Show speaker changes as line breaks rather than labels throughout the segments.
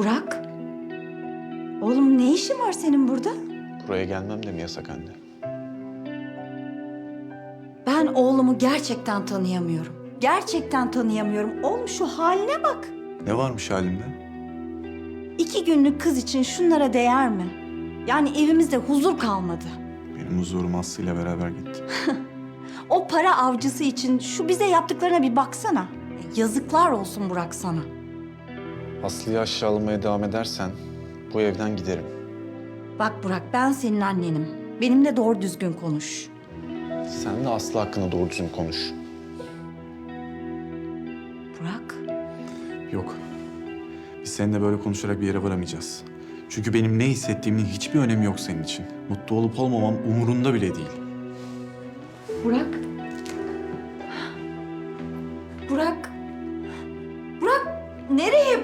Burak. Oğlum ne işin var senin burada?
Buraya gelmem de mi yasak anne?
Ben oğlumu gerçekten tanıyamıyorum. Gerçekten tanıyamıyorum. Oğlum şu haline bak.
Ne varmış halimde?
2 günlük kız için şunlara değer mi? Yani evimizde huzur kalmadı.
Benim huzurum Aslı ile beraber gitti.
O para avcısı için şu bize yaptıklarına bir baksana. Yazıklar olsun Burak sana.
Aslı'yı aşağılamaya devam edersen bu evden giderim.
Bak Burak, ben senin annenim. Benimle doğru düzgün konuş.
Sen de Aslı hakkında doğru düzgün konuş.
Burak,
Yok. Biz seninle böyle konuşarak bir yere varamayacağız. Çünkü benim ne hissettiğimin hiçbir önemi yok senin için. Mutlu olup olmamam umurunda bile değil.
Burak. Burak. Burak, nereye?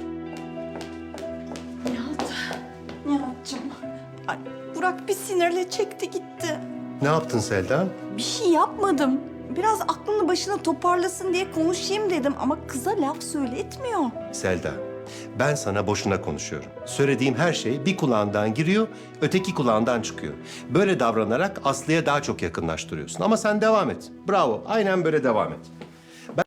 Nihat'cığım. Ay, Burak bir sinirle çekti gitti.
Ne yaptın Selda?
Bir şey yapmadım. Biraz aklını başına toparlasın diye konuşayım dedim ama kıza laf söyletmiyor.
Selda, ben sana boşuna konuşuyorum. Söylediğim her şey bir kulağından giriyor, öteki kulağından çıkıyor. Böyle davranarak Aslı'ya daha çok yakınlaştırıyorsun. Ama sen devam et. Bravo, aynen böyle devam et.